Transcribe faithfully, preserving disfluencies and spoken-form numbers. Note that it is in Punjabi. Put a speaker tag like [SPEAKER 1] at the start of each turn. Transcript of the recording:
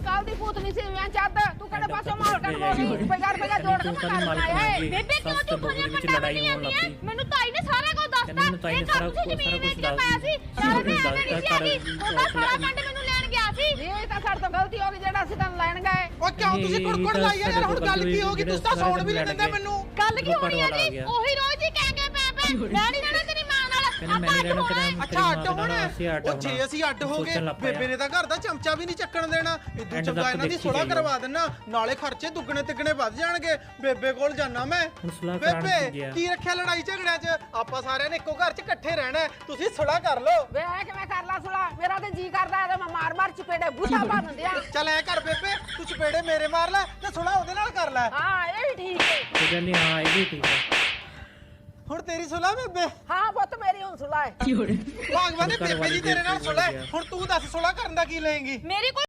[SPEAKER 1] ਕੱਲ ਦੀ ਭੂਤਨੀ ਸੀ ਮੈਂ ਚੱਦ ਤੂੰ ਕਿਹੜੇ ਪਾਸੇ ਮਾਲ ਕੱਢ ਬੋਲੀ ਬਗਾਰ ਬਗਾਰ ਜੋੜ ਕੇ ਮਕਾਨ ਬਣਾਇਆ
[SPEAKER 2] ਬੇਬੇ ਕਿਉਂ ਤੂੰ ਖੋਲੀਆਂ ਪੰਡਾ ਲੜਾਈ ਹੋਣ ਲੱਗੀ ਮੈਨੂੰ ਤਾਈ ਨੇ ਸਾਰਾ ਕੁਝ ਦੱਸਤਾ ਇਹ ਸਾਰਾ ਕੁਝ ਜ਼ਮੀਨ ਵੇਚ ਕੇ ਪਾਇਆ ਸੀ ਸਾਰਾ ਨੇ ਐਵੇਂ ਨਹੀਂ ਸੀ ਆਗੀ ਉਹਦਾ ਸਾਰਾ ਪੰਡ ਮੈਨੂੰ ਲੈਣ ਗਿਆ ਸੀ
[SPEAKER 1] ਇਹ ਤਾਂ ਸਾਡੇ ਤੋਂ ਗਲਤੀ ਹੋ ਗਈ ਜਿਹੜਾ ਅਸੀਂ ਤੈਨੂੰ ਲੈਣ ਗਏ
[SPEAKER 3] ਉਹ ਕਿਉਂ ਤੁਸੀਂ ਕੁੜਕੁੜ ਲਾਈ ਯਾਰ ਹੁਣ ਗੱਲ ਕੀ ਹੋ ਗਈ ਤੁਸੀਂ ਤਾਂ ਸੌਣ ਵੀ ਨਹੀਂ ਦਿੰਦੇ ਮੈਨੂੰ
[SPEAKER 2] ਗੱਲ ਕੀ ਹੋਣੀ ਹੈ ਜੀ ਉਹੀ ਰੋਜ਼ ਹੀ ਕਹਿ ਕੇ ਪੈ ਪੈ ਮੈਂ ਨਹੀਂ ਰਹਿਣਾ ਤੇਰੀ ਮਾਂ ਨਾਲ
[SPEAKER 3] ਅੱਛਾ ਅੱਡ ਹੋਣਾ ਉਹ ਜੇ ਅਸੀਂ ਅੱਡ ਹੋ ਗਏ ਬੇਬੇ ਨੇ ਤਾਂ ਘਰ ਦਾ ਚਮਚਾ ਵੀ ਨਹੀਂ ਚੱਕਣ ਦੇਣਾ ਇਦੋਂ ਚੰਗਾ ਇਹਨਾਂ ਦੀ ਸੁਲਾ ਕਰਵਾ ਦੇਣਾ ਨਾਲੇ ਖਰਚੇ ਦੁੱਗਣੇ ਤਿੱਗਣੇ ਵੱਧ ਜਾਣਗੇ ਬੇਬੇ ਕੋਲ ਜਾਣਾ ਮੈਂ ਬੇਬੇ ਕੀ ਰੱਖਿਆ ਲੜਾਈ ਝਗੜਿਆਂ 'ਚ ਆਪਾਂ ਸਾਰਿਆਂ ਨੇ ਇੱਕੋ ਘਰ 'ਚ ਇਕੱਠੇ ਰਹਿਣਾ ਤੁਸੀਂ ਸੁਲਾ ਕਰ ਲਓ
[SPEAKER 1] ਵੇ ਕਿਵੇਂ ਕਰ ਲਾ ਸੁਲਾ ਮੇਰਾ ਤੇ ਜੀ ਕਰਦਾ ਇਹਦੇ ਮੈਂ ਮਾਰ ਮਾਰ ਚਪੇੜੇ ਬੁੱਢਾ ਬਣ ਦਿਆਂ
[SPEAKER 3] ਚੱਲ ਐ ਕਰ ਬੇਬੇ ਤੂੰ ਚਪੇੜੇ ਮੇਰੇ ਮਾਰ ਲੈ ਤੇ ਸੁਲਾ ਉਹਦੇ ਨਾਲ ਕਰ ਲੈ
[SPEAKER 1] ਹਾਂ ਇਹ ਵੀ ਠੀਕ ਹੈ
[SPEAKER 4] ਤੇ ਕਹਿੰਦੀ ਹਾਂ ਇਹ ਵੀ ਠੀਕ ਹੈ
[SPEAKER 3] ਹੁਣ ਤੇਰੀ ਸੁਲਾ ਬੇਬੇ
[SPEAKER 1] ਹਾਂ ਪੁੱਤ ਮੇਰੀ ਹੁਣ ਸੁਲਾ ਹੈ
[SPEAKER 3] ਭਗਵਾਨ ਨੇ ਬੇਬੇ ਜੀ ਤੇਰੇ ਨਾਲ ਸੁਲਾ ਹੁਣ ਤੂੰ ਦੱਸ ਸੁਲਾ ਕਰਨ ਦਾ ਕੀ ਲਏਂਗੀ
[SPEAKER 2] ਮੇਰੀ